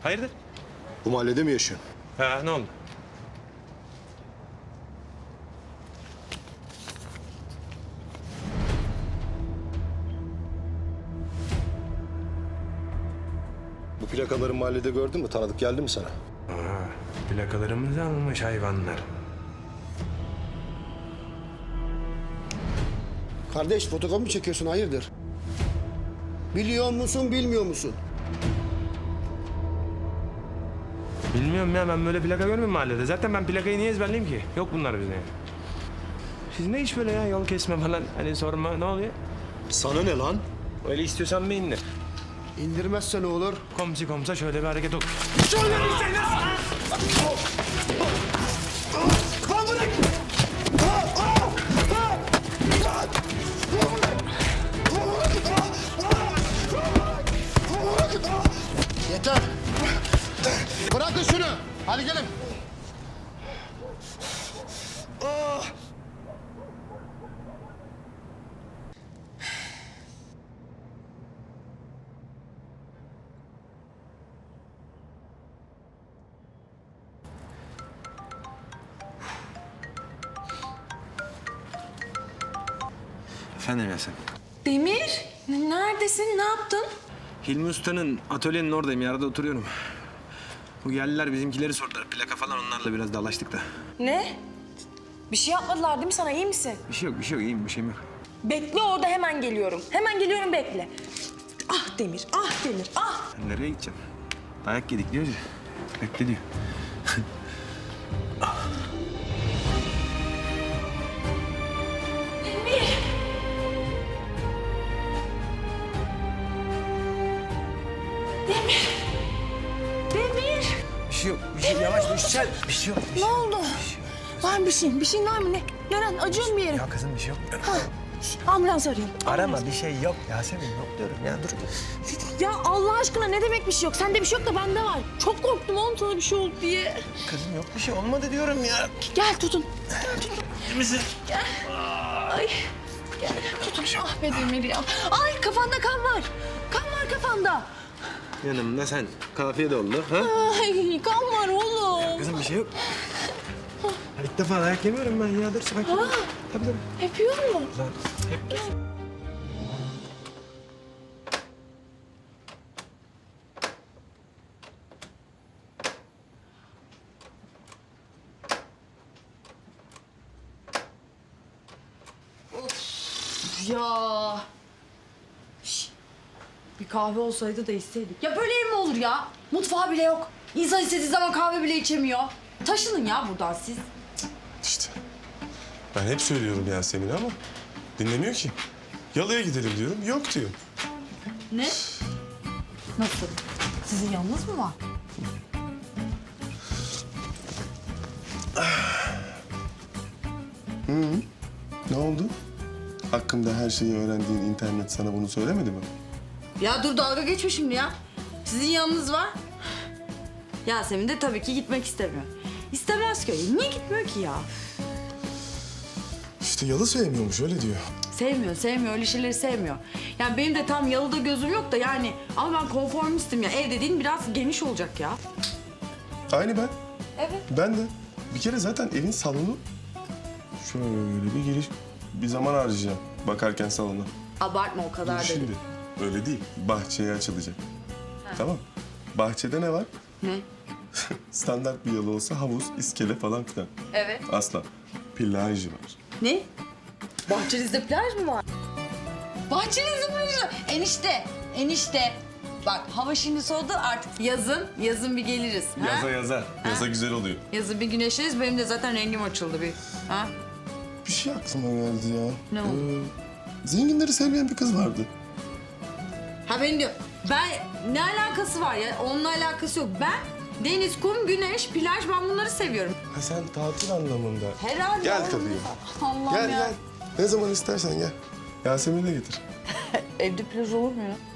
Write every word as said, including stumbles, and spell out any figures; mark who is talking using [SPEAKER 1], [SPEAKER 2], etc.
[SPEAKER 1] Hayırdır?
[SPEAKER 2] Bu mahallede mi yaşıyorsun?
[SPEAKER 1] Ha, ne oldu?
[SPEAKER 2] Bu plakaları mahallede gördün mü? Tanıdık geldi mi sana?
[SPEAKER 1] Aa, plakalarımızı almış hayvanlar.
[SPEAKER 3] Kardeş fotoğraf mı çekiyorsun hayırdır? Biliyor musun bilmiyor musun?
[SPEAKER 1] Bilmiyorum ya, ben böyle plaka görmüyorum mahallede. Zaten ben plakayı niye ezberleyeyim ki? Yok bunlar bizde. Siz ne iş böyle ya, yol kesme falan, hani sorma, ne oluyor?
[SPEAKER 2] Sana ne lan?
[SPEAKER 1] Öyle istiyorsan bir indir.
[SPEAKER 3] İndirmezse ne olur?
[SPEAKER 1] Komsi komsa şöyle bir hareket ol.
[SPEAKER 3] Yeter. Bırakın şunu. Hadi gelin.
[SPEAKER 1] Efendim Yasemin.
[SPEAKER 4] Demir, n- neredesin? Ne yaptın?
[SPEAKER 1] Hilmi Usta'nın atölyenin oradayım, yarıda oturuyorum. Bu geldiler, bizimkileri sordular. Plaka falan, onlarla biraz dalaştık da.
[SPEAKER 4] Ne? Bir şey yapmadılar değil mi sana? İyi misin?
[SPEAKER 1] Bir şey yok, bir şey yok. İyiyim, bir şeyim yok.
[SPEAKER 4] Bekle orada, hemen geliyorum. Hemen geliyorum, bekle. Ah Demir, ah Demir, ah!
[SPEAKER 1] Ben nereye gideceğim? Dayak yedik diyoruz ya. Bekle diyor.
[SPEAKER 4] Demir! Demir! Demir!
[SPEAKER 1] Bir şey yok, bir şey yavaş düşsel. Bir şey yok.
[SPEAKER 4] Ne oldu? Var mı bir şeyin? Bir şeyin var mı ne? Neren? Acıyor mu bir yerin?
[SPEAKER 1] Ya kızım bir şey yok.
[SPEAKER 4] Ambulans arayayım.
[SPEAKER 1] Arama, bir şey yok. Yasemin yok diyorum ya, dur.
[SPEAKER 4] Ya Allah aşkına ne demek bir şey yok? Sende bir şey yok da bende var. Çok korktum oğlum sana bir şey oldu diye.
[SPEAKER 1] Kızım yok, bir şey olmadı diyorum ya.
[SPEAKER 4] Gel tutun. Gel tutun.
[SPEAKER 1] İyi misin?
[SPEAKER 4] Ay. Gel tutun. Ah be Demir ya. Ay kafanda kan var. Kan var kafanda.
[SPEAKER 1] Yanımda sen. Kafiye de oldu. Ha?
[SPEAKER 4] Ay kan var oğlum.
[SPEAKER 1] Kızım bir şey yok. Ya İlk defa dayak yemiyorum ben ya. Dur sakin ol. Tabii tabii.
[SPEAKER 4] Hep yiyor mu?
[SPEAKER 1] Lan, hep...
[SPEAKER 4] Ya. Şş. Bir kahve olsaydı da içseydik. Ya böyle ev mi olur ya? Mutfağı bile yok. İnsan istediği zaman kahve bile içemiyor. Taşının ya buradan siz. İşte.
[SPEAKER 5] Ben hep söylüyorum Yasemin ama dinlemiyor ki. Yalıya gidelim diyorum, yok diyor.
[SPEAKER 4] Ne? Nasıl? Sizin yanınız mı var?
[SPEAKER 5] Ne oldu? Hakkımda her şeyi öğrendiğin internet sana bunu söylemedi mi?
[SPEAKER 4] Ya dur dalga geçme şimdi ya. Sizin yanınız var. Yasemin de tabii ki gitmek istemiyor. İstemez ki. Niye gitmiyor ki ya?
[SPEAKER 5] İşte yalı sevmiyormuş, öyle diyor.
[SPEAKER 4] Sevmiyor, sevmiyor. Öyle şeyleri sevmiyor. Yani benim de tam yalıda gözüm yok da yani. Ama ben konformistim ya. Ev dediğin biraz geniş olacak ya.
[SPEAKER 5] Aynı ben.
[SPEAKER 4] Evet.
[SPEAKER 5] Ben de. Bir kere zaten evin salonu şöyle bir giriş, bir zaman harcayacağım bakarken salona.
[SPEAKER 4] Abartma o kadar
[SPEAKER 5] Dur
[SPEAKER 4] dedim.
[SPEAKER 5] şimdi. Öyle değil. Bahçeye açılacak. Tamam. Bahçede ne var?
[SPEAKER 4] Ne?
[SPEAKER 5] Standart bir yalı olsa havuz, iskele falan filan.
[SPEAKER 4] Evet.
[SPEAKER 5] Asla. Plajı var.
[SPEAKER 4] Ne? Bahçenizde plaj mı var? Bahçenizde plaj var. Enişte, enişte. Bak hava şimdi soğudu artık yazın, yazın bir geliriz. Ha?
[SPEAKER 5] Yaza yaza. Yaza güzel oluyor.
[SPEAKER 4] Yazın bir güneşleriz. Benim de zaten rengim açıldı bir. Ha?
[SPEAKER 5] Bir şey aklıma geldi ya.
[SPEAKER 4] Ne oldu?
[SPEAKER 5] Ee, zenginleri sevmeyen bir kız vardı.
[SPEAKER 4] Ha benim diyor. Ben ne alakası var ya? Onunla alakası yok. Ben deniz, kum, güneş, plaj ben bunları seviyorum.
[SPEAKER 5] Ha sen tatil anlamında.
[SPEAKER 4] Herhalde.
[SPEAKER 5] Gel
[SPEAKER 4] oğlum.
[SPEAKER 5] tabii.
[SPEAKER 4] Allah'ım
[SPEAKER 5] Gel
[SPEAKER 4] ya.
[SPEAKER 5] gel. Ne zaman istersen gel. Yasemin'i de getir.
[SPEAKER 4] Evde plaj olur mu ya?